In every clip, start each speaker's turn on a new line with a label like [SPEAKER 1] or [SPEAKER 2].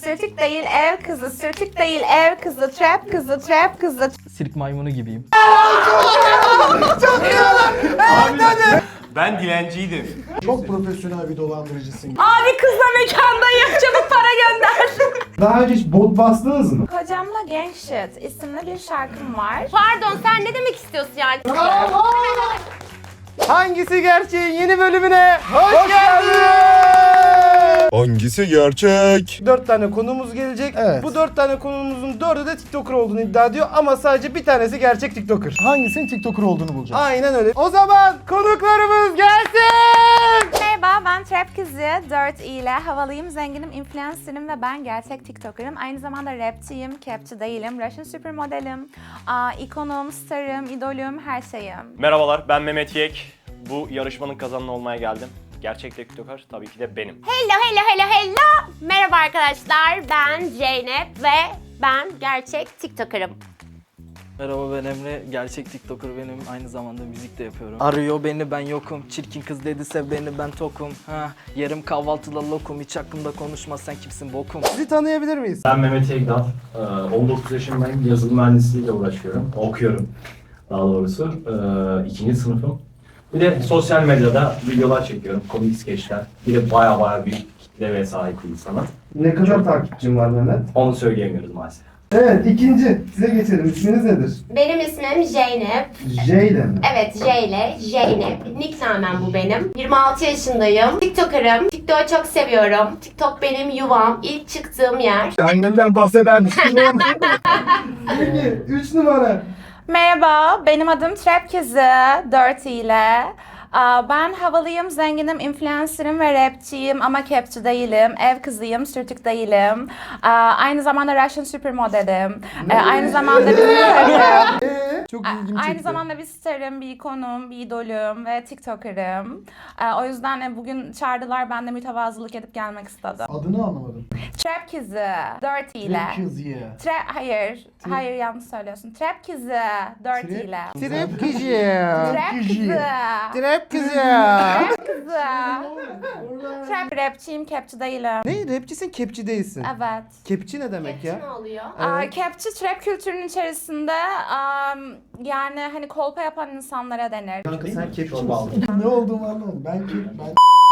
[SPEAKER 1] sürtük değil ev kızı, sürtük değil ev kızı, trap kızı, trap kızı.
[SPEAKER 2] Sirk maymunu gibiyim.
[SPEAKER 3] Ben dilenciydim.
[SPEAKER 4] Çok profesyonel bir dolandırıcısın.
[SPEAKER 1] Abi kızla mekandayım, çabuk para gönder.
[SPEAKER 4] Daha önce hiç bot bastınız mı?
[SPEAKER 1] Kocamla Gang Shit isimli bir şarkım var.
[SPEAKER 5] Pardon, sen ne demek istiyorsun yani?
[SPEAKER 2] Hangisi gerçeğin yeni bölümüne hoş geldiniz.
[SPEAKER 6] Hangisi gerçek?
[SPEAKER 2] 4 tane konuğumuz gelecek.
[SPEAKER 4] Evet.
[SPEAKER 2] Bu 4 tane konuğumuzun 4'ü de TikToker olduğunu iddia ediyor ama sadece bir tanesi gerçek TikToker.
[SPEAKER 4] Hangisinin TikToker olduğunu bulacağız.
[SPEAKER 2] Aynen öyle. O zaman konuklarımız gelsin.
[SPEAKER 1] Merhaba, ben Trap Kızı 4 ile havalıyım, zenginim, influencer'ım ve ben gerçek TikToker'ım. Aynı zamanda rapçiyim, capçi değilim, Russian supermodelim, ikonum, starım, idolüm, her şeyim.
[SPEAKER 3] Merhabalar, ben Mehmet Yek. Bu yarışmanın kazananı olmaya geldim. Gerçek TikToker tabii ki de benim.
[SPEAKER 5] Hello. Merhaba arkadaşlar, ben Zeynep ve ben gerçek TikToker'ım.
[SPEAKER 7] Merhaba, ben Emre. Gerçek TikToker benim. Aynı zamanda müzik de yapıyorum. Arıyor beni, ben yokum. Çirkin kız dediyse beni, ben tokum. Yerim kahvaltıda lokum. Hiç hakkımda konuşma, sen kimsin bokum.
[SPEAKER 2] Sizi tanıyabilir miyiz?
[SPEAKER 8] Ben Mehmet Egdal. 19 yaşındayım. Yazılım mühendisliğiyle uğraşıyorum. Okuyorum daha doğrusu. 2. sınıfım. Bir de sosyal medyada videolar çekiyorum. Komik skeçler. Bir de baya büyük kitleye sahip bir insanım.
[SPEAKER 4] Ne kadar takipçin var Mehmet?
[SPEAKER 8] Onu söyleyemiyoruz maalesef.
[SPEAKER 4] Evet, ikinci. Size geçelim. İsminiz nedir?
[SPEAKER 5] Benim ismim Zeynep.
[SPEAKER 4] J ile mi?
[SPEAKER 5] Evet, J ile Zeynep. Nickname'm bu benim. 26 yaşındayım. TikToker'ım. TikTok'u çok seviyorum. TikTok benim yuvam. İlk çıktığım yer.
[SPEAKER 4] Annemden bahseder misin? Peki, 3 numara.
[SPEAKER 1] Merhaba, benim adım Trap Kızı 4 ile. Ben havalıyım, zenginim, influencer'ım ve rapçiyim ama capçi değilim, ev kızıyım, sürtük değilim. Aynı zamanda Russian supermodelim. Aynı zamanda bir starım.
[SPEAKER 2] Çok ilgimi çekti.
[SPEAKER 1] Aynı zamanda bir starım, bir ikonum, bir idolüm ve TikToker'ım. O yüzden bugün çağırdılar, ben de mütevazılık edip gelmek istedim.
[SPEAKER 4] Adını anlamadım.
[SPEAKER 1] Trap Kızı 4 ile.
[SPEAKER 4] Kız ya.
[SPEAKER 1] Hayır yanlış söylüyorsun. Trap Kızı 4 ile.
[SPEAKER 2] Trap kızı.
[SPEAKER 1] Trap Kızı.
[SPEAKER 2] Trap kızı.
[SPEAKER 1] Kızı. Trap rapçiyim, capçi değilim.
[SPEAKER 2] Ne? Rapçisin, kepçi değilsin.
[SPEAKER 1] Evet.
[SPEAKER 2] Kepçi ne demek
[SPEAKER 5] Ne
[SPEAKER 2] ya?
[SPEAKER 5] oluyor?
[SPEAKER 2] Evet.
[SPEAKER 1] Capçi trap kültürünün içerisinde yani hani kolpa yapan insanlara denir.
[SPEAKER 4] Kanka sen kepçi
[SPEAKER 8] Çok bağlı.
[SPEAKER 4] misin? Ne olduğumu anlamadım. Ben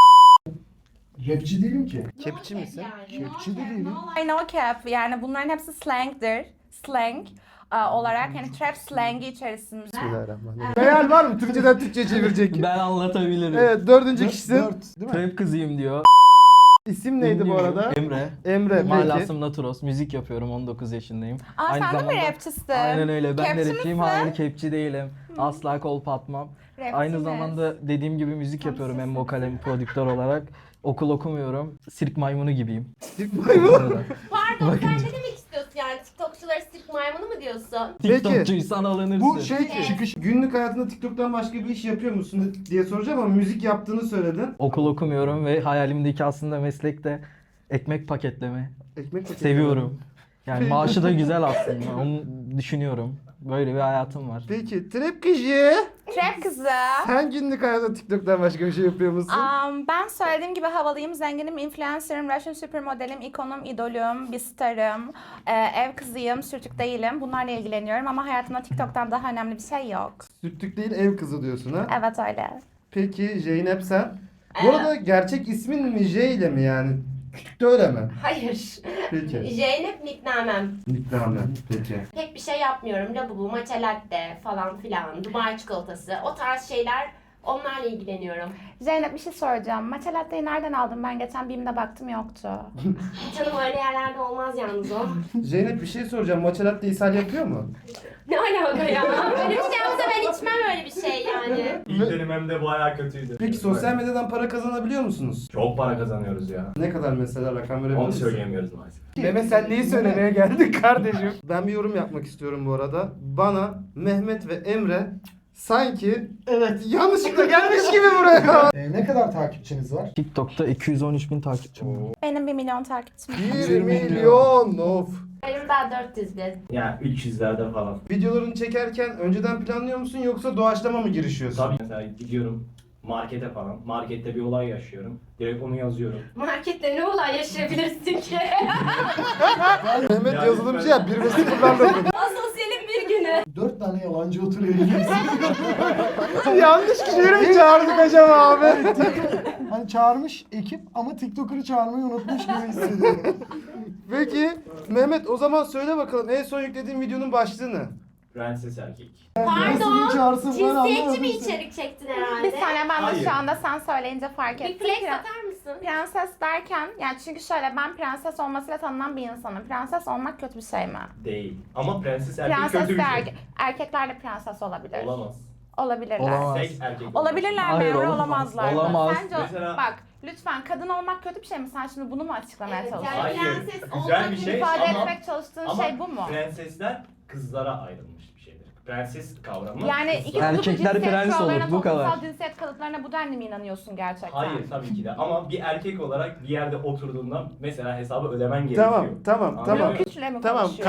[SPEAKER 4] rapçi değilim ki.
[SPEAKER 2] Kepçi misin?
[SPEAKER 4] Kepçi de değilim.
[SPEAKER 1] I know cap yani bunların hepsi slang'dir. Slang olarak hani trap slangi içerisinde.
[SPEAKER 2] Bismillahirrahmanirrahim. Hayal var mı? Türkçeden Türkçe'ye çevirecek.
[SPEAKER 7] Ben anlatabilirim.
[SPEAKER 2] Evet, 4. kişisin.
[SPEAKER 4] 4, değil mi?
[SPEAKER 7] Trap kızıyım diyor.
[SPEAKER 2] İsim neydi bu arada?
[SPEAKER 7] Emre.
[SPEAKER 2] Emre, peki.
[SPEAKER 7] Malasım Naturos. Müzik yapıyorum. 19 yaşındayım.
[SPEAKER 1] Sen de mi rapçisin?
[SPEAKER 7] Aynen öyle. Ben
[SPEAKER 1] Capçi
[SPEAKER 7] de rapçiyim.
[SPEAKER 1] misin?
[SPEAKER 7] Hayır, kepçi değilim. Asla kolpa atmam.
[SPEAKER 1] Rapçi
[SPEAKER 7] Aynı
[SPEAKER 1] mi?
[SPEAKER 7] zamanda dediğim gibi müzik yapıyorum hem vokal hem prodüktör olarak. Okul okumuyorum. Sirk maymunu gibiyim.
[SPEAKER 5] Pardon, sen ne demek istiyorsun yani? TikTokçuları sirk maymunu mu diyorsun?
[SPEAKER 7] TikTokçuysan alınırsın.
[SPEAKER 4] Bu şey çıkış.
[SPEAKER 2] Günlük hayatında TikTok'tan başka bir iş yapıyor musun diye soracağım ama müzik yaptığını söyledin.
[SPEAKER 7] Okul okumuyorum ve hayalimdeki aslında meslek de ekmek paketleme.
[SPEAKER 2] Ekmek paketi.
[SPEAKER 7] Seviyorum. Yani maaşı da güzel aslında. Onu düşünüyorum. Böyle bir hayatım var.
[SPEAKER 2] Peki, Trap kızı.
[SPEAKER 1] Trap Kızı.
[SPEAKER 2] Sen günlük hayatta TikTok'tan başka bir şey yapıyor musun?
[SPEAKER 1] Ben söylediğim gibi havalıyım, zenginim, influencer'ım, Russian supermodelim, ikonum, idolüm, bir starım, ev kızıyım, sürtük değilim. Bunlarla ilgileniyorum ama hayatımda TikTok'tan daha önemli bir şey yok.
[SPEAKER 2] Sürtük değil, ev kızı diyorsun ha?
[SPEAKER 1] Evet öyle.
[SPEAKER 2] Peki, Zeynep sen? Bu arada gerçek ismin mi J ile mi yani? Küçükte öyle mi?
[SPEAKER 5] Hayır.
[SPEAKER 2] Peki.
[SPEAKER 5] Zeynep nickname'm.
[SPEAKER 2] Nickname. Peki.
[SPEAKER 5] Pek bir şey yapmıyorum. Labubu, matcha latte falan filan, Dubai çikolatası, o tarz şeyler, onlarla ilgileniyorum.
[SPEAKER 1] Zeynep bir şey soracağım. Matcha latte'yi nereden aldın? Ben geçen BİM'de baktım yoktu.
[SPEAKER 5] Canım öyle yerlerde olmaz yalnız o.
[SPEAKER 2] Zeynep bir şey soracağım. Matcha latte ishal yapıyor mu?
[SPEAKER 5] Ne alaka ya? Öyle bir şey yapsa ben içmem öyle bir şey yani.
[SPEAKER 8] İlk dönemimde baya kötüydü.
[SPEAKER 2] Peki sosyal medyadan para kazanabiliyor musunuz?
[SPEAKER 8] Çok para kazanıyoruz ya.
[SPEAKER 2] Ne kadar mesela rakam verebilir
[SPEAKER 8] Onu
[SPEAKER 2] misin?
[SPEAKER 8] söyleyemiyoruz maalesef.
[SPEAKER 2] Mehmet sen neyi söylemeye geldik kardeşim? Ben bir yorum yapmak istiyorum bu arada. Bana Mehmet ve Emre sanki evet yanlışlıkla gelmiş gibi buraya.
[SPEAKER 4] Ne kadar takipçiniz var?
[SPEAKER 7] TikTok'ta 213.000 takipçim var.
[SPEAKER 1] Benim 1 milyon takipçim var.
[SPEAKER 2] 1 milyon of.
[SPEAKER 5] Benim daha 400 bin.
[SPEAKER 8] Yani 300'lerde falan.
[SPEAKER 2] Videolarını çekerken önceden planlıyor musun yoksa doğaçlama mı girişiyorsun?
[SPEAKER 8] Tabii mesela gidiyorum markete falan. Markette bir olay yaşıyorum. Direkt onu yazıyorum.
[SPEAKER 5] Markette ne olay yaşayabilirsin ki?
[SPEAKER 2] Mehmet
[SPEAKER 8] Yani
[SPEAKER 2] yazılımcı ya 1 ve 0'larla okudu.
[SPEAKER 5] Asosyalin bir günü.
[SPEAKER 4] 4 tane yalancı oturuyor elimizde.
[SPEAKER 2] Yanlış kişileri mi çağırdık acaba abi?
[SPEAKER 4] Hani çağırmış ekip ama TikToker'ı çağırmayı unutmuş gibi hissediyorum.
[SPEAKER 2] Peki Mehmet o zaman söyle bakalım en son yüklediğin videonun başlığı ne?
[SPEAKER 8] Prenses erkek.
[SPEAKER 4] Nasıl bir çağırsın ben
[SPEAKER 5] Cinsiyetçi
[SPEAKER 4] anlamadım.
[SPEAKER 5] bir içerik çektin herhalde.
[SPEAKER 1] Bir saniye ben de
[SPEAKER 8] Hayır.
[SPEAKER 1] şu anda sen söyleyince fark
[SPEAKER 5] Bir
[SPEAKER 1] ettim.
[SPEAKER 5] flex atar mısın?
[SPEAKER 1] Prenses derken yani çünkü şöyle ben prenses olmasıyla tanınan bir insanım. Prenses olmak kötü bir şey mi?
[SPEAKER 8] Değil. Ama prenses erkek
[SPEAKER 1] Prenses
[SPEAKER 8] kötü bir
[SPEAKER 1] de
[SPEAKER 8] şey.
[SPEAKER 1] erkekler de prenses olabilir.
[SPEAKER 8] Olamaz.
[SPEAKER 1] Olabilirler.
[SPEAKER 7] Olamaz.
[SPEAKER 8] Seks erkek olamaz.
[SPEAKER 1] Olabilirler mi?
[SPEAKER 7] Hayır,
[SPEAKER 1] Emre?
[SPEAKER 7] olamaz.
[SPEAKER 1] Olamazlar. mı?
[SPEAKER 7] Olamaz.
[SPEAKER 1] Sence
[SPEAKER 8] Mesela-
[SPEAKER 1] bak lütfen kadın olmak kötü bir şey mi? Sen şimdi bunu mu açıklamaya
[SPEAKER 5] Evet,
[SPEAKER 1] çalışıyorsun?
[SPEAKER 5] yani
[SPEAKER 8] Hayır,
[SPEAKER 5] prenses
[SPEAKER 8] güzel
[SPEAKER 5] olmak
[SPEAKER 8] bir şey
[SPEAKER 1] İfade
[SPEAKER 8] ama,
[SPEAKER 1] etmek çalıştığın
[SPEAKER 8] ama
[SPEAKER 1] şey bu mu?
[SPEAKER 8] prensesler kızlara ayrılmış bir şeydir. Prenses kavramı
[SPEAKER 1] Yani
[SPEAKER 8] kızlar-
[SPEAKER 1] iki kutuplu
[SPEAKER 7] Erkekler
[SPEAKER 1] cinsiyet
[SPEAKER 7] prens
[SPEAKER 1] kurallarına,
[SPEAKER 7] olur, bu kadar.
[SPEAKER 1] toplumsal cinsiyet kalıplarına bu denli mi inanıyorsun gerçekten?
[SPEAKER 8] Hayır tabii ki de ama bir erkek olarak bir yerde oturduğunda mesela hesabı ödemen gerekiyor.
[SPEAKER 2] Tamam
[SPEAKER 8] Anladın
[SPEAKER 2] tamam.
[SPEAKER 8] mı?
[SPEAKER 1] Bloküçle mi
[SPEAKER 2] Tamam.
[SPEAKER 1] konuşuyor?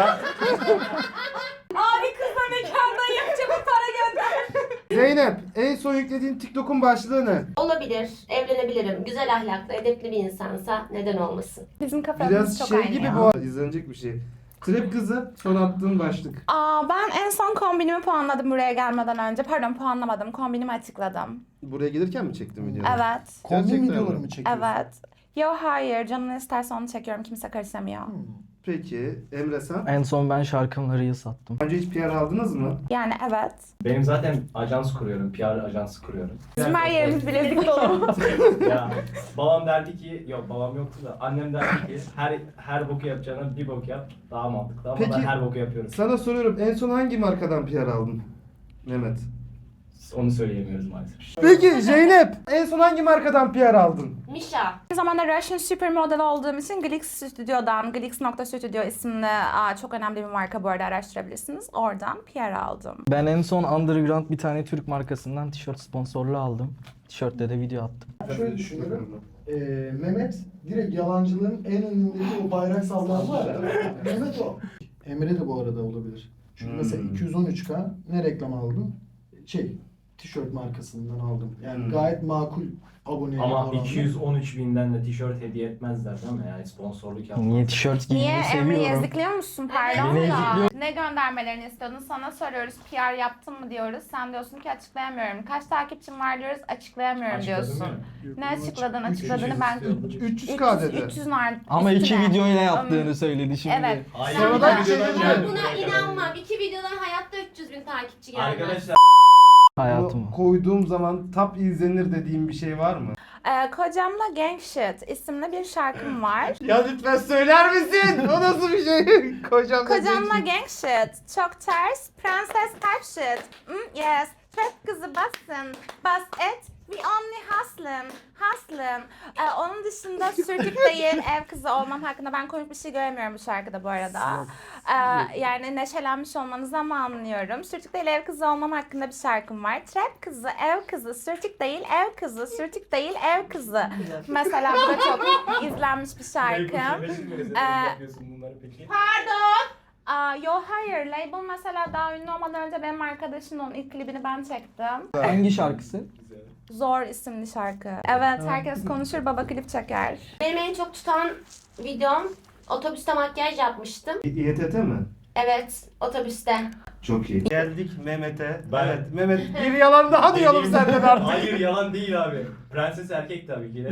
[SPEAKER 1] Abi kızla mekandayım çabuk para gönder.
[SPEAKER 2] Zeynep en son yüklediğin TikTok'un başlığı ne?
[SPEAKER 5] Olabilir, evlenebilirim. Güzel ahlaklı, edepli bir insansa neden olmasın?
[SPEAKER 1] Bizim kafalarımız
[SPEAKER 2] Biraz
[SPEAKER 1] çok
[SPEAKER 2] şey
[SPEAKER 1] aynı
[SPEAKER 2] gibi
[SPEAKER 1] ya.
[SPEAKER 2] bu arada izlenecek bir şey. Trap kızı son attığın başlık.
[SPEAKER 1] Ben en son kombinimi puanladım buraya gelmeden önce. Pardon puanlamadım. Kombinimi açıkladım.
[SPEAKER 2] Buraya gelirken mi çektin videoyu?
[SPEAKER 1] Evet.
[SPEAKER 4] Kombin
[SPEAKER 2] Gerçekten
[SPEAKER 4] videoları
[SPEAKER 2] mi?
[SPEAKER 4] mı çekiyorsun?
[SPEAKER 1] Evet. Yo hayır. Canın ne isterse onu çekiyorum. Kimse karışamıyor.
[SPEAKER 2] Peki Emre sen?
[SPEAKER 7] En son ben şarkımla Reel sattım.
[SPEAKER 2] Önce hiç PR aldınız mı?
[SPEAKER 1] Yani evet.
[SPEAKER 8] Benim zaten ajans kuruyorum, PR ajansı kuruyorum.
[SPEAKER 1] Bizim her yerimiz bilezik dolu.
[SPEAKER 8] Ya babam derdi ki, yok babam yoktu da annem derdi ki her boku yapacağına bir bok yap daha mantıklı ama
[SPEAKER 2] Peki,
[SPEAKER 8] ben her boku yapıyorum.
[SPEAKER 2] Sana soruyorum en son hangi markadan PR aldın? Mehmet.
[SPEAKER 8] Onu söyleyemiyoruz maalesef.
[SPEAKER 2] Peki Zeynep en son hangi markadan PR aldın?
[SPEAKER 5] Mişa.
[SPEAKER 1] Aynı zamanda Russian Supermodel olduğum için Glix Stüdyo'dan, Glix.Studio isimli çok önemli bir marka bu arada araştırabilirsiniz. Oradan PR aldım.
[SPEAKER 7] Ben en son underground bir tane Türk markasından tişört sponsorluğu aldım. Tişörtte de video attım.
[SPEAKER 4] Şöyle düşünüyorum. Mehmet direkt yalancılığın en önündeki o bayrak sallayan var ya. Mehmet o. Emre de bu arada olabilir. Çünkü mesela 213K ne reklam aldım? Tişört markasından aldım. Yani gayet makul abone
[SPEAKER 8] Ama
[SPEAKER 4] oranı.
[SPEAKER 8] 213 binden de tişört hediye etmezler değil mi? Yani sponsorluk yapmaz.
[SPEAKER 7] Niye tişört
[SPEAKER 1] Niye
[SPEAKER 7] giymeyi
[SPEAKER 1] Emre'yi
[SPEAKER 7] seviyorum.
[SPEAKER 1] ezikliyor musun? Pardon
[SPEAKER 7] Beni
[SPEAKER 1] da.
[SPEAKER 7] ezikliyor.
[SPEAKER 1] Ne göndermelerini istiyordun? Sana soruyoruz. PR yaptın mı diyoruz. Sen diyorsun ki açıklayamıyorum. Kaç takipçim var diyoruz. Açıklayamıyorum
[SPEAKER 8] Açıkladın
[SPEAKER 1] diyorsun.
[SPEAKER 8] değil mi?
[SPEAKER 1] Ne açıkladın? Açıkladığını ben
[SPEAKER 2] 300K dedi.
[SPEAKER 1] 300 var.
[SPEAKER 7] Ama iki
[SPEAKER 1] üstüne.
[SPEAKER 7] videoyla yaptığını söyledi şimdi.
[SPEAKER 1] Evet.
[SPEAKER 8] Hayır.
[SPEAKER 2] Sonradan
[SPEAKER 8] bir
[SPEAKER 2] şey
[SPEAKER 8] videodan
[SPEAKER 2] dedi.
[SPEAKER 5] Ben
[SPEAKER 8] geldi.
[SPEAKER 5] buna inanmam. 2 videodan hayatta 300 bin takipçi gelmez.
[SPEAKER 8] Arkadaşlar
[SPEAKER 7] Hayatımı.
[SPEAKER 2] Bunu koyduğum zaman top izlenir dediğim bir şey var mı?
[SPEAKER 1] Kocamla Gang Shit isimli bir şarkım var.
[SPEAKER 2] Ya lütfen söyler misin? O nasıl bir şey?
[SPEAKER 1] Kocamla Gang Shit. Çok ters. Prenses type shit. Yes. Trap kızı bassın. Bas et. We only hustlin. Onun dışında sürtük değil, ev kızı olmam hakkında ben komik bir şey göremiyorum bu şarkıda bu arada. Yani neşelenmiş olmanızı ama anlıyorum. Sürtük değil, ev kızı olmam hakkında bir şarkım var. Trap kızı, ev kızı, sürtük değil, ev kızı, sürtük değil, ev kızı. Mesela bu da çok izlenmiş bir şarkı.
[SPEAKER 8] yapıyorsun bunları peki?
[SPEAKER 1] Yo hayır, label mesela daha ünlü olmadan önce benim arkadaşımın onun ilk klibini ben çektim.
[SPEAKER 7] Hangi şarkısı?
[SPEAKER 1] Zor isimli şarkı. Evet, herkes konuşur, baba klip çeker.
[SPEAKER 5] Benim en çok tutan videom otobüste makyaj yapmıştım.
[SPEAKER 2] İETT mi?
[SPEAKER 5] Evet, otobüste.
[SPEAKER 2] Çok iyi. Geldik Mehmet'e.
[SPEAKER 8] Ben-
[SPEAKER 2] Evet Mehmet bir yalan daha duyalım senden artık.
[SPEAKER 8] Hayır yalan değil abi. Prenses erkek tabii ki de.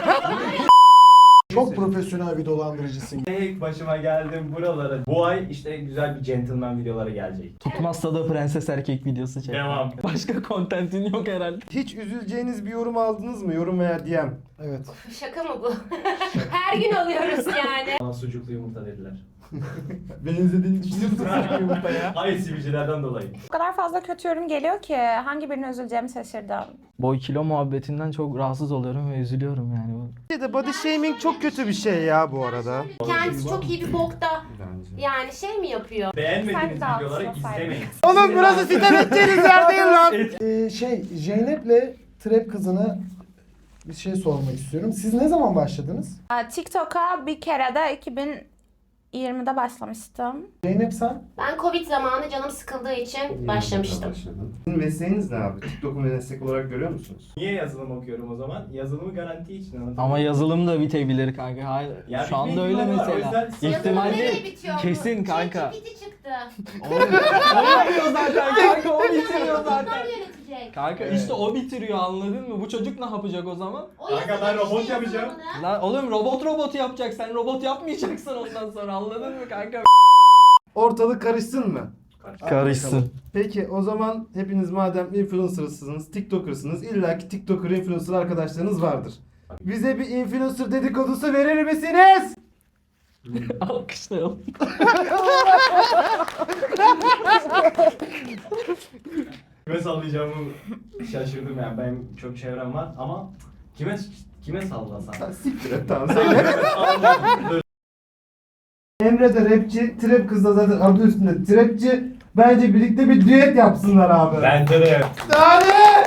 [SPEAKER 4] Çok profesyonel bir dolandırıcısın.
[SPEAKER 8] Tek başıma geldim buralara. Bu ay işte güzel bir gentleman videoları gelecek.
[SPEAKER 7] Tutmazsa da prenses erkek videosu çek.
[SPEAKER 8] Devam.
[SPEAKER 7] Başka kontentin yok herhalde.
[SPEAKER 2] Hiç üzüleceğiniz bir yorum aldınız mı? Yorum veya DM.
[SPEAKER 4] Evet.
[SPEAKER 5] Şaka mı bu? Her gün alıyoruz yani.
[SPEAKER 8] Bana sucuklu yumurta dediler.
[SPEAKER 2] Benzediğini düşünüyor musun?
[SPEAKER 8] Hayır sivilcelerden dolayı.
[SPEAKER 1] O kadar fazla kötü yorum geliyor ki hangi birine üzüleceğimi şaşırdım.
[SPEAKER 7] Boy kilo muhabbetinden çok rahatsız oluyorum ve üzülüyorum yani.
[SPEAKER 2] Body shaming çok kötü bir şey ya bu arada.
[SPEAKER 5] Kendisi çok iyi bir bokta.
[SPEAKER 2] Bence.
[SPEAKER 5] Yani şey mi yapıyor?
[SPEAKER 8] Beğenmediğiniz
[SPEAKER 1] Sen de
[SPEAKER 8] videoları
[SPEAKER 1] alsın,
[SPEAKER 8] izlemeyin.
[SPEAKER 2] Oğlum burası sitem edeceğiniz yer değil lan.
[SPEAKER 4] Zeynep'le Trap kızına bir şey sormak istiyorum. Siz ne zaman başladınız?
[SPEAKER 1] TikTok'a bir kere de 20'de başlamıştım.
[SPEAKER 4] Zeynep sen?
[SPEAKER 5] Ben Covid zamanı canım sıkıldığı için başlamıştım.
[SPEAKER 2] Sizin mesleğiniz ne abi? TikTok'u meslek olarak görüyor musunuz?
[SPEAKER 8] Niye yazılım okuyorum o zaman? Yazılımı garanti için anladın mı?
[SPEAKER 7] Ama yazılım da bitebilir kanka. Hayır.
[SPEAKER 8] Ya
[SPEAKER 7] Şu anda
[SPEAKER 8] bitme
[SPEAKER 7] öyle
[SPEAKER 8] ihtimali var, o
[SPEAKER 7] mesela.
[SPEAKER 8] yüzden-
[SPEAKER 7] İhtimal
[SPEAKER 5] Yazılım nereye
[SPEAKER 7] değil.
[SPEAKER 5] bitiyor bu?
[SPEAKER 7] Kesin kanka.
[SPEAKER 5] ChatGPT çıktı.
[SPEAKER 7] O yapıyor zaten kanka. O bitiriyor
[SPEAKER 5] Onlar
[SPEAKER 7] zaten.
[SPEAKER 5] yönetecek.
[SPEAKER 7] Kanka işte o bitiriyor, anladın mı? Bu çocuk ne yapacak o zaman?
[SPEAKER 5] O
[SPEAKER 8] Kanka
[SPEAKER 5] yazılım
[SPEAKER 8] ben robot
[SPEAKER 5] işte
[SPEAKER 8] yapacağım.
[SPEAKER 5] yazılımını.
[SPEAKER 7] Lan oğlum robot yapacak. Sen robot yapmayacaksın ondan sonra, anladın mı kanka?
[SPEAKER 2] Ortalık karışsın mı?
[SPEAKER 7] Karışsın.
[SPEAKER 2] Peki o zaman hepiniz madem influencer'sınız, TikToker'sınız, illaki TikToker, influencer arkadaşlarınız vardır. Bize bir influencer dedikodusu verir misiniz?
[SPEAKER 7] Alkışlayalım.
[SPEAKER 8] Kime sallayacağımı şaşırdım yani. Benim çok çevrem var ama kime sallasam?
[SPEAKER 2] Ha, siktir et tamam söyle. Emre de rapçi, trap kız da zaten adı üstünde trapçi. Bence birlikte bir düet yapsınlar abi.
[SPEAKER 8] Bence de.
[SPEAKER 2] Hadi!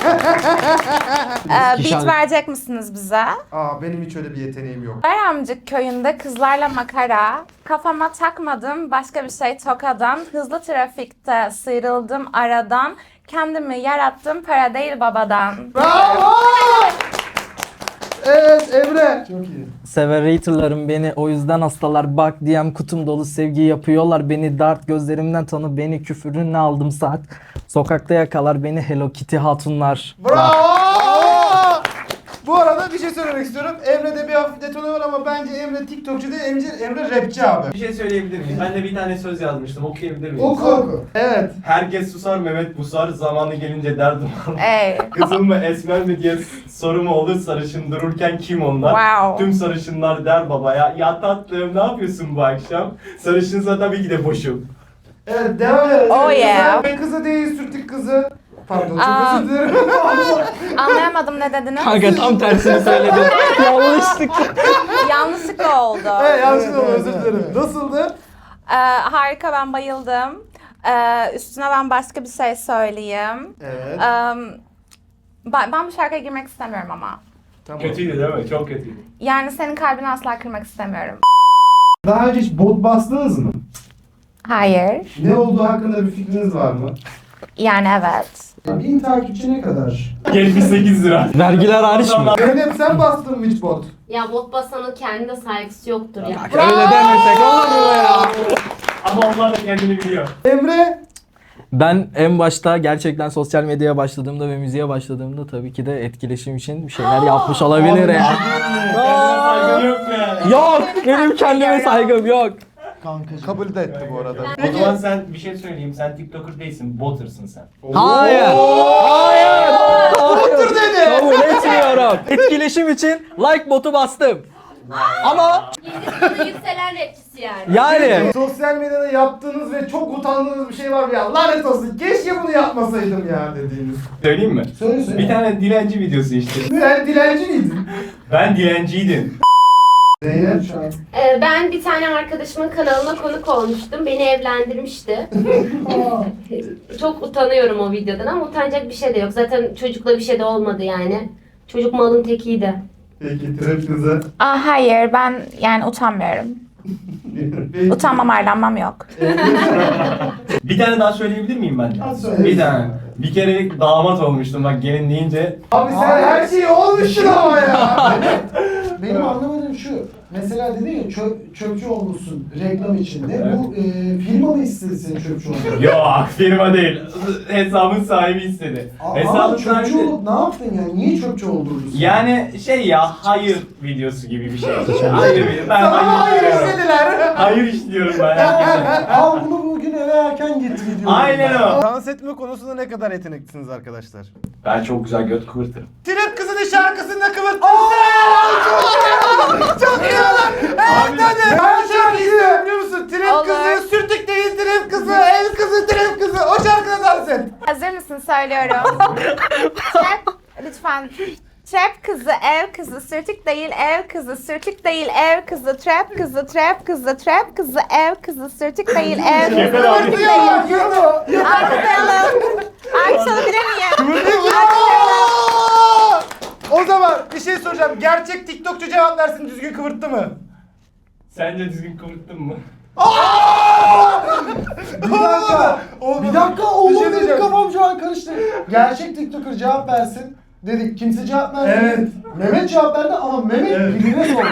[SPEAKER 1] Beat verecek misiniz bize?
[SPEAKER 2] Aa benim hiç öyle bir yeteneğim yok.
[SPEAKER 1] Bayramcık köyünde kızlarla makara, kafama takmadım başka bir şey tokadan, hızlı trafikte sıyrıldım aradan, kendimi yarattım para değil babadan.
[SPEAKER 2] Bravo! Evet Emre.
[SPEAKER 4] Çok iyi.
[SPEAKER 7] Severratorlarım beni, o yüzden hastalar. Bak DM kutum dolu sevgi yapıyorlar beni. Dart gözlerimden tanı beni, küfürünle aldım saat. Sokakta yakalar beni Hello Kitty hatunlar.
[SPEAKER 2] Bravo! Bu arada bir şey söylemek istiyorum. Emre'de bir hafif detone var ama bence Emre TikTokçu değil, Emre rapçi abi.
[SPEAKER 8] Bir şey söyleyebilir miyim? Ben de bir tane söz yazmıştım. Okuyabilir miyim?
[SPEAKER 2] Oku. Evet.
[SPEAKER 8] Herkes susar Mehmet busar. Zamanı gelince derdim alır.
[SPEAKER 1] Ey,
[SPEAKER 8] Kızıl mı esmer mi diye soru mu olur sarışın dururken kim onlar?
[SPEAKER 1] wow.
[SPEAKER 8] Tüm sarışınlar der babaya. Ya tatlım ne yapıyorsun bu akşam? Sarışınsa tabii ki de boşum.
[SPEAKER 2] Evet devam edelim.
[SPEAKER 1] Oh yeah.
[SPEAKER 2] Kızı değil sürtük kızı. Pardon çok
[SPEAKER 1] Aa.
[SPEAKER 2] özür dilerim.
[SPEAKER 1] Anlayamadım ne dediniz?
[SPEAKER 7] Kanka tam tersini söyledin. Yanlışlık.
[SPEAKER 1] Yanlışlıkla oldu.
[SPEAKER 2] Evet yanlış oldu
[SPEAKER 4] Evet,
[SPEAKER 2] özür
[SPEAKER 4] evet,
[SPEAKER 2] dilerim.
[SPEAKER 4] evet.
[SPEAKER 2] Nasıldı?
[SPEAKER 1] Harika, ben bayıldım. Üstüne ben başka bir şey söyleyeyim.
[SPEAKER 2] Evet.
[SPEAKER 1] Ben bu şarkıya girmek istemiyorum ama.
[SPEAKER 2] Tamam.
[SPEAKER 8] Kötüydü değil mi? Çok kötüydü.
[SPEAKER 1] Yani senin kalbini asla kırmak istemiyorum.
[SPEAKER 2] Daha önce hiç bot bastınız mı?
[SPEAKER 1] Hayır.
[SPEAKER 2] Ne olduğu hakkında bir fikriniz var mı?
[SPEAKER 1] Yani evet.
[SPEAKER 4] 1000 takipçi ne kadar?
[SPEAKER 8] 78 lira.
[SPEAKER 7] Vergiler hariç mi?
[SPEAKER 2] Zeynep sen bastın mı hiç bot?
[SPEAKER 5] Ya bot basanın kendine saygısı yoktur ya.
[SPEAKER 7] Öyle demesek olur mu ya?
[SPEAKER 8] Ama onlar da kendini biliyor.
[SPEAKER 2] Emre?
[SPEAKER 7] Ben en başta gerçekten sosyal medyaya başladığımda ve müziğe başladığımda tabii ki de etkileşim için bir şeyler yapmış olabilir ya.
[SPEAKER 8] Kendine saygın yok mu yani?
[SPEAKER 7] Yok, benim kendime saygım yok.
[SPEAKER 4] Kankacığım.
[SPEAKER 2] Kabul de etti bu arada.
[SPEAKER 8] O zaman sen bir şey söyleyeyim. Sen TikToker değilsin. Botter'sın sen.
[SPEAKER 7] Hayır. Hayır.
[SPEAKER 2] Otur dedi.
[SPEAKER 7] Kabul etmiyorum. Etkileşim için like botu bastım. Ama
[SPEAKER 5] Hindistan'ın yükselen rapçisi yani.
[SPEAKER 7] yani
[SPEAKER 2] Sosyal medyada yaptığınız ve çok utandığınız bir şey var mı ya? Lanet olsun keşke bunu yapmasaydım ya dediğiniz.
[SPEAKER 8] Söyleyeyim mi?
[SPEAKER 4] Söyle.
[SPEAKER 8] Bir tane dilenci videosu işte.
[SPEAKER 2] Sen dilenci miydin?
[SPEAKER 8] Ben dilenciydim.
[SPEAKER 2] Zeynep.
[SPEAKER 4] Şu an.
[SPEAKER 5] Ben bir tane arkadaşımın kanalına konuk olmuştum. Beni evlendirmişti. Çok utanıyorum o videodan ama utanacak bir şey de yok. Zaten çocukla bir şey de olmadı yani. Çocuk malın tekiydi.
[SPEAKER 2] Peki trap kızı.
[SPEAKER 1] Hayır, ben yani utanmıyorum.
[SPEAKER 2] Peki.
[SPEAKER 1] Utanmam, arlanmam yok.
[SPEAKER 8] Bir tane daha söyleyebilir miyim ben de?
[SPEAKER 4] Hadi söyle.
[SPEAKER 8] Bir tane. Bir kere damat olmuştum bak gelin deyince.
[SPEAKER 2] Abi sen her şeyi olmuşsun ama ya.
[SPEAKER 4] Benim anlamadığım şu. Mesela dedin ya çöpçü olmuşsun reklam içinde.
[SPEAKER 8] Evet.
[SPEAKER 4] Bu firma mı istedi senin çöpçü olmanı?
[SPEAKER 8] Yok firma değil. Hesabın sahibi istedi.
[SPEAKER 4] Ama
[SPEAKER 8] Hesabın
[SPEAKER 4] çöpçü
[SPEAKER 8] sahibi.
[SPEAKER 4] olup ne yaptın yani? Niye çöpçü oldurdun?
[SPEAKER 8] Yani şey ya hayır videosu gibi bir şey. Hayır video. Ben
[SPEAKER 2] Sana
[SPEAKER 8] hayır
[SPEAKER 2] hayır
[SPEAKER 8] işliyorum.
[SPEAKER 2] istediler.
[SPEAKER 8] Hayır işliyorum ben. herkese.
[SPEAKER 4] Al bunu bugün eve erken git gidiyorum.
[SPEAKER 8] Aynen o.
[SPEAKER 2] Dans etme konusunda ne kadar yeteneklisiniz arkadaşlar?
[SPEAKER 8] Ben çok güzel göt kıvırtırım.
[SPEAKER 2] Trap kızının şarkısında kıvırttın. Çok iyi lan. Evet hadi. Ben şarkıyı istiyorum biliyor musun? Trap
[SPEAKER 1] Olur.
[SPEAKER 2] kızı, sürtük değil trap kızı, el kızı, trap kızı. O şarkıda dans et.
[SPEAKER 1] Hazır mısın? Söylüyorum. Trap, lütfen. Trap kızı, ev kızı, sürtük değil ev kızı, sürtük değil ev kızı, trap kızı, trap kızı, trap kızı, ev kızı, sürtük değil ev kızı,
[SPEAKER 8] Yeter abi.
[SPEAKER 1] sürtük değil. Alkışlayalım. Alkışlayabilir miyim?
[SPEAKER 2] O zaman bir şey soracağım. Gerçek TikTokçu cevap versin düzgün kıvırttı mı?
[SPEAKER 8] Sence düzgün kıvırttın mı?
[SPEAKER 4] Bir dakika oğlum
[SPEAKER 2] şey
[SPEAKER 4] benim
[SPEAKER 2] diyeceğim.
[SPEAKER 4] kafam şu an karıştı. Gerçek TikToker cevap versin. Dedik kimse cevap vermedi.
[SPEAKER 2] Evet.
[SPEAKER 4] Mehmet cevap verdi ama Mehmet birine sordu.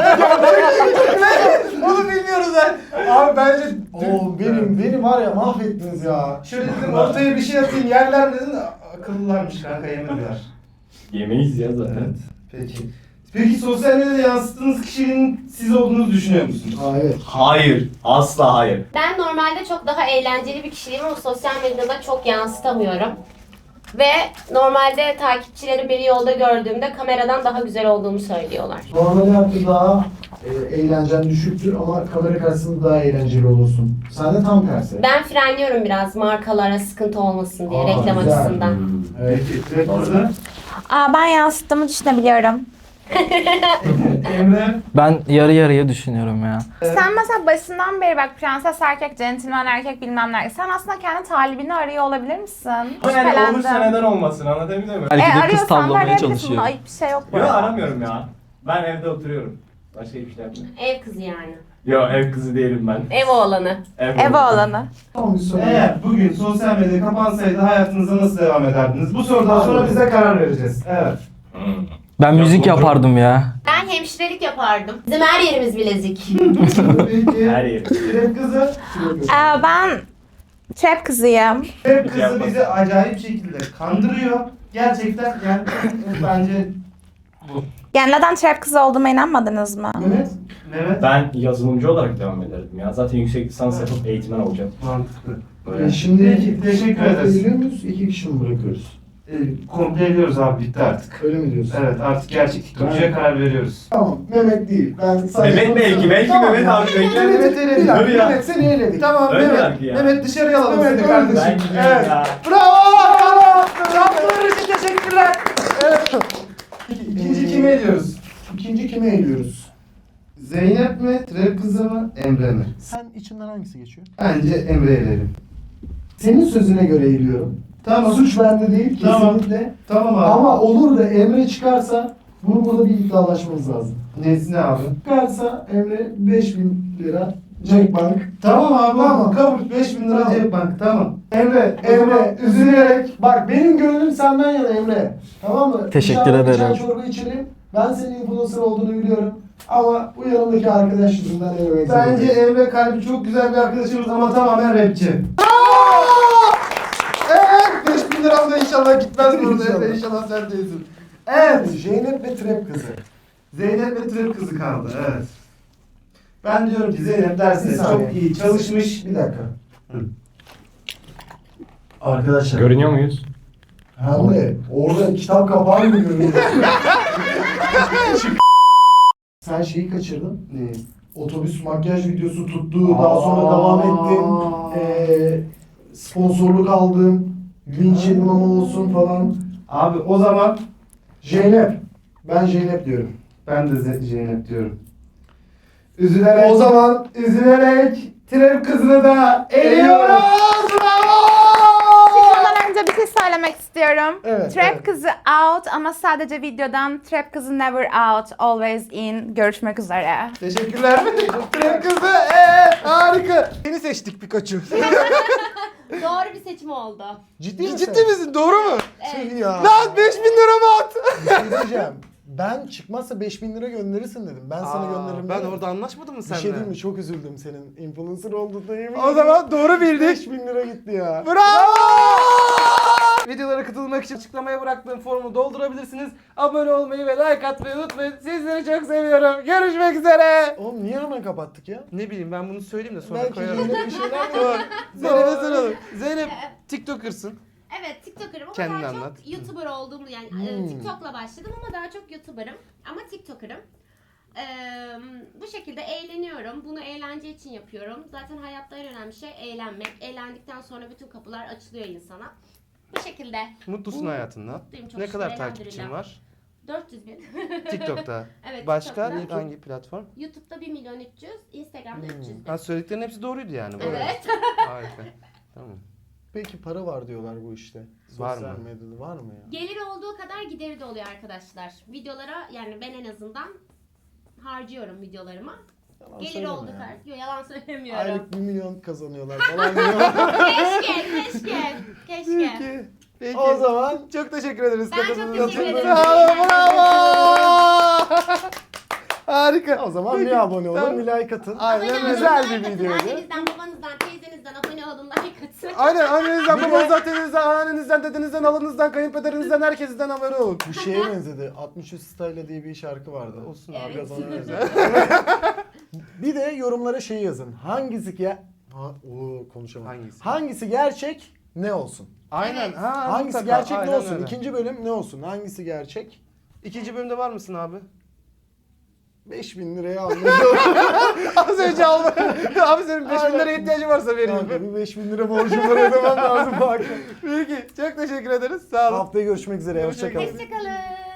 [SPEAKER 2] Onu bilmiyoruz ben. Abi bence...
[SPEAKER 4] Oo beni var ya mahvettiniz ya.
[SPEAKER 2] Şöyle dedim ortaya bir şey atayım yerler mi dedin? Akıllılarmış kanka yemediler.
[SPEAKER 8] Yemeyiz ya zaten.
[SPEAKER 2] Evet. Peki. Peki sosyal medyada yansıttığınız kişinin siz olduğunuzu düşünüyor musunuz?
[SPEAKER 4] Aa evet.
[SPEAKER 8] Hayır. Asla hayır.
[SPEAKER 5] Ben normalde çok daha eğlenceli bir kişiyim ama sosyal medyada çok yansıtamıyorum. Ve normalde takipçilerim beni yolda gördüğümde kameradan daha güzel olduğumu söylüyorlar.
[SPEAKER 4] Normal hayatta daha eğlencen düşüktür ama kamera karşısında daha eğlenceli olursun. Sen de tam tersi.
[SPEAKER 5] Ben frenliyorum biraz markalara sıkıntı olmasın diye
[SPEAKER 4] Aa,
[SPEAKER 5] reklam
[SPEAKER 4] güzel.
[SPEAKER 5] açısından.
[SPEAKER 4] Evet.
[SPEAKER 2] Peki. Direkt orada.
[SPEAKER 1] Ben yansıttığımı düşünebiliyorum.
[SPEAKER 2] Emre.
[SPEAKER 7] Ben yarı yarıya düşünüyorum ya.
[SPEAKER 1] Sen mesela başından beri bak prenses erkek, centilmen erkek bilmem ne. Sen aslında kendi talibini arıyor olabilir misin?
[SPEAKER 8] Yani olursa neden olmasın anlatabildim mi?
[SPEAKER 7] Belki de kız
[SPEAKER 1] Arıyorsan da
[SPEAKER 7] tavlamaya
[SPEAKER 1] arayabilirsin.
[SPEAKER 7] çalışıyor.
[SPEAKER 1] Bunda ayıp bir şey yok bu
[SPEAKER 8] Yok
[SPEAKER 1] arada.
[SPEAKER 8] aramıyorum ya. Ben evde oturuyorum. Başka hiçbir şey yapmıyorum.
[SPEAKER 5] Ev kızı yani.
[SPEAKER 8] Yok ev kızı değilim ben.
[SPEAKER 5] Ev oğlanı.
[SPEAKER 1] Ev oğlanı.
[SPEAKER 4] Tamam bir soru.
[SPEAKER 2] Eğer bugün sosyal medya kapansaydı hayatınıza nasıl devam ederdiniz? Bu sorudan sonra bize karar vereceğiz. Evet.
[SPEAKER 7] Ben müzik yapardım ya.
[SPEAKER 5] Ben hemşirelik yapardım. Bizim her yerimiz bilezik.
[SPEAKER 2] Peki.
[SPEAKER 8] Her yeri.
[SPEAKER 2] Trap kızı.
[SPEAKER 1] Ben trap kızıyım.
[SPEAKER 2] Trap kızı bizi acayip şekilde kandırıyor. Gerçekten yani bence
[SPEAKER 1] Yani neden trap kızı olduğuma inanmadınız mı?
[SPEAKER 4] Mehmet.
[SPEAKER 2] Mehmet
[SPEAKER 8] Ben yazılımcı olarak devam ederdim ya. Zaten yüksek lisans yapıp eğitmen olacağım.
[SPEAKER 2] mantıklı.
[SPEAKER 8] Böyle.
[SPEAKER 4] Şimdi
[SPEAKER 2] Peki, teşekkür ederiz.
[SPEAKER 4] Biliyor muyuz? 2 kişi mi bırakıyoruz?
[SPEAKER 2] Komple ediyoruz abi bitti artık.
[SPEAKER 4] Öyle mi diyorsun?
[SPEAKER 2] Evet artık gerçek TikTokçuya karar veriyoruz.
[SPEAKER 4] Tamam Mehmet değil. Ben sadece...
[SPEAKER 8] Mehmet belki
[SPEAKER 4] Tamam
[SPEAKER 8] Mehmet
[SPEAKER 4] ya.
[SPEAKER 8] abi belki.
[SPEAKER 2] Mehmet eledik.
[SPEAKER 4] Bir dakika,
[SPEAKER 8] Dur ya.
[SPEAKER 4] Mehmet seni eledik.
[SPEAKER 2] Tamam
[SPEAKER 8] Öyle
[SPEAKER 2] Mehmet.
[SPEAKER 8] belki ya.
[SPEAKER 2] Mehmet dışarıya alalım
[SPEAKER 4] Mehmet,
[SPEAKER 2] seni
[SPEAKER 4] öyle
[SPEAKER 2] kardeşim.
[SPEAKER 8] Ben gidiyorum
[SPEAKER 2] Evet.
[SPEAKER 8] ya.
[SPEAKER 2] Bravo! Yaptığınız için teşekkürler. Evet. İkinci kime ediyoruz?
[SPEAKER 4] İkinci kime eliyoruz?
[SPEAKER 2] Zeynep mi, Trap kızı mı, Emre mi?
[SPEAKER 4] Sen içinden hangisi geçiyor?
[SPEAKER 2] Bence Emre elerim.
[SPEAKER 4] Senin sözüne göre eliyorum.
[SPEAKER 2] Tamam.
[SPEAKER 4] Suç bende değil
[SPEAKER 2] Tamam.
[SPEAKER 4] kesinlikle.
[SPEAKER 2] Tamam abi.
[SPEAKER 4] Ama olur da Emre çıkarsa burada bir iddialaşmamız lazım.
[SPEAKER 2] Nesine abi?
[SPEAKER 4] Çıkarsa Emre 5000 lira Jackbank.
[SPEAKER 2] Tamam abi
[SPEAKER 4] Tamam.
[SPEAKER 2] kabul. 5000 lira
[SPEAKER 4] Tamam.
[SPEAKER 2] cep bank tamam. Emre
[SPEAKER 4] Emre üzülerek bak benim gönlüm senden yana Emre. Tamam mı?
[SPEAKER 7] Teşekkür
[SPEAKER 4] Dışarıda bir
[SPEAKER 7] ederim.
[SPEAKER 4] çay çorba içelim. Ben senin influencer olduğunu biliyorum. Ama bu yanımdaki arkadaş yüzünden elemek
[SPEAKER 2] Bence
[SPEAKER 4] zorundayım.
[SPEAKER 2] Emre kalbi çok güzel bir arkadaşımız ama tamamen rapçi. Evet 5000 liram da inşallah gitmez burada
[SPEAKER 4] İnşallah.
[SPEAKER 2] Emre inşallah sen değilsin. Evet.
[SPEAKER 4] Zeynep ve Trap kızı.
[SPEAKER 2] Zeynep ve Trap kızı kaldı evet. Ben diyorum ki Zeynep
[SPEAKER 4] Bir
[SPEAKER 2] dersinde
[SPEAKER 4] saniye.
[SPEAKER 2] çok iyi çalışmış.
[SPEAKER 4] Bir dakika.
[SPEAKER 2] Hı.
[SPEAKER 4] Arkadaşlar.
[SPEAKER 8] Görünüyor muyuz?
[SPEAKER 4] Hem de orada kitap kapağı mı görünüyor? Sen şeyi kaçırdın.
[SPEAKER 2] Ne?
[SPEAKER 4] Otobüs makyaj videosu tuttu. Daha sonra devam ettim. Sponsorluk aldım. Linç yedim ama olsun falan.
[SPEAKER 2] Abi o zaman
[SPEAKER 4] Zeynep. Ben Zeynep diyorum.
[SPEAKER 2] ben de Zeynep diyorum. Üzülerek,
[SPEAKER 4] O zaman
[SPEAKER 2] üzülerek Trap kızını da eliyoruz. Bravo!
[SPEAKER 1] Çıkmadan önce bir şey söylemek istiyorum.
[SPEAKER 4] Evet,
[SPEAKER 1] Trap
[SPEAKER 4] evet.
[SPEAKER 1] kızı out ama sadece videodan Trap kızı never out, always in. Görüşmek üzere.
[SPEAKER 2] Teşekkürler. Trap kızı harika. Seni seçtik Pikachu.
[SPEAKER 5] Doğru bir seçim oldu.
[SPEAKER 4] ciddi misin?
[SPEAKER 2] Ciddi misin? Doğru mu?
[SPEAKER 4] Tüh ya.
[SPEAKER 2] Lan 5000 lira mı at?
[SPEAKER 4] Bir şey diyeceğim. Ben çıkmazsa 5000 lira gönderirsin dedim. Ben sana gönderirim.
[SPEAKER 2] Ben
[SPEAKER 4] dedim.
[SPEAKER 2] orada anlaşmadım mı
[SPEAKER 4] Bir
[SPEAKER 2] seninle?
[SPEAKER 4] şey diyeyim mi? Çok üzüldüm senin influencer olduğuna yemin
[SPEAKER 2] O zaman doğru bildik.
[SPEAKER 4] 5000 lira gitti ya.
[SPEAKER 2] Bravo! Videolara katılmak için açıklamaya bıraktığım formu doldurabilirsiniz. Abone olmayı ve like atmayı unutmayın. Sizleri çok seviyorum. Görüşmek üzere.
[SPEAKER 4] Oğlum niye hemen kapattık ya?
[SPEAKER 2] Ne bileyim ben bunu söyleyeyim de sonra
[SPEAKER 4] Belki
[SPEAKER 2] koyarım.
[SPEAKER 4] Zeynep bir şeyler mi?
[SPEAKER 2] Dur. Zeynep'e soralım. Zeynep TikToker'sın.
[SPEAKER 5] Evet TikToker'ım ama
[SPEAKER 2] Kendini
[SPEAKER 5] daha
[SPEAKER 2] anlat.
[SPEAKER 5] çok YouTuber olduğumu yani TikTok'la başladım ama daha çok YouTuber'ım ama TikToker'ım. Bu şekilde eğleniyorum. Bunu eğlence için yapıyorum. Zaten hayatta en önemli şey eğlenmek. Eğlendikten sonra bütün kapılar açılıyor insana. Bu şekilde.
[SPEAKER 2] Mutlusun hayatından.
[SPEAKER 5] Mutluyum, çok
[SPEAKER 2] Ne
[SPEAKER 5] şükür,
[SPEAKER 2] kadar takipçin
[SPEAKER 5] elhamdülillah.
[SPEAKER 2] var?
[SPEAKER 5] 400 bin.
[SPEAKER 2] TikTok'ta.
[SPEAKER 5] Evet,
[SPEAKER 2] Başka
[SPEAKER 5] TikTok'ta.
[SPEAKER 2] hangi platform?
[SPEAKER 5] YouTube'da 1 milyon 300, Instagram'da 300 bin.
[SPEAKER 2] Ha söylediklerin hepsi doğruydu yani. bu arada.
[SPEAKER 5] Evet.
[SPEAKER 2] Harika. Tamam.
[SPEAKER 4] Peki para var diyorlar bu işte.
[SPEAKER 2] Var
[SPEAKER 4] Sosyal
[SPEAKER 2] mı?
[SPEAKER 4] medyada var mı ya?
[SPEAKER 5] Geliri olduğu kadar gideri de oluyor arkadaşlar. Videolara yani ben en azından harcıyorum videolarıma.
[SPEAKER 4] Yalan
[SPEAKER 5] Gelir
[SPEAKER 4] söyleme
[SPEAKER 5] oldu
[SPEAKER 4] ya.
[SPEAKER 5] kar. Yok yalan söylemiyorum.
[SPEAKER 4] Aylık 1 milyon kazanıyorlar falan diyor.
[SPEAKER 5] Keşke.
[SPEAKER 2] Peki.
[SPEAKER 4] O zaman
[SPEAKER 2] Çok teşekkür ederiz.
[SPEAKER 5] Ben çok
[SPEAKER 2] katıldığınız
[SPEAKER 5] teşekkür
[SPEAKER 2] için.
[SPEAKER 5] ederim.
[SPEAKER 2] Sağ olun, bravo. Harika.
[SPEAKER 4] o zaman
[SPEAKER 2] Peki,
[SPEAKER 4] bir abone olun,
[SPEAKER 2] tamam.
[SPEAKER 4] bir like atın.
[SPEAKER 2] Aynen
[SPEAKER 4] Güzel
[SPEAKER 5] Like
[SPEAKER 4] bir
[SPEAKER 5] atın,
[SPEAKER 4] videoydu.
[SPEAKER 5] Annenizden, babanızdan, teyzenizden abone olun, like atın.
[SPEAKER 2] Aynen annenizden,
[SPEAKER 4] Bir de-
[SPEAKER 2] babanızdan, tedenizden, anneannenizden, dedenizden, halanızdan, kayınpederinizden, herkesten haber olun.
[SPEAKER 4] Bu şeye benzedi. 63 Style diye bir şarkı vardı.
[SPEAKER 2] Olsun
[SPEAKER 5] Evet.
[SPEAKER 4] Biraz ona benzer. Bir de yorumlara şey yazın. Hangisi konuşamadım. Hangisi gerçek ne olsun?
[SPEAKER 2] Aynen.
[SPEAKER 5] Evet.
[SPEAKER 2] Ha,
[SPEAKER 4] Hangisi
[SPEAKER 2] mutlaka,
[SPEAKER 4] gerçek ne
[SPEAKER 2] aynen
[SPEAKER 4] olsun?
[SPEAKER 2] öyle.
[SPEAKER 4] İkinci bölüm ne olsun? Hangisi gerçek?
[SPEAKER 2] İkinci bölümde var mısın abi?
[SPEAKER 4] 5000 liraya anladım.
[SPEAKER 2] Az önce aldım. Abi senin 5 bin
[SPEAKER 4] Aynen.
[SPEAKER 2] liraya ihtiyacın varsa vereyim.
[SPEAKER 4] Kanka bir 5000 lira borcum var ödemem lazım bak.
[SPEAKER 2] Peki çok teşekkür ederiz. Sağ olun.
[SPEAKER 4] Haftaya görüşmek üzere. Hoşçakalın.
[SPEAKER 5] Hoşçakalın.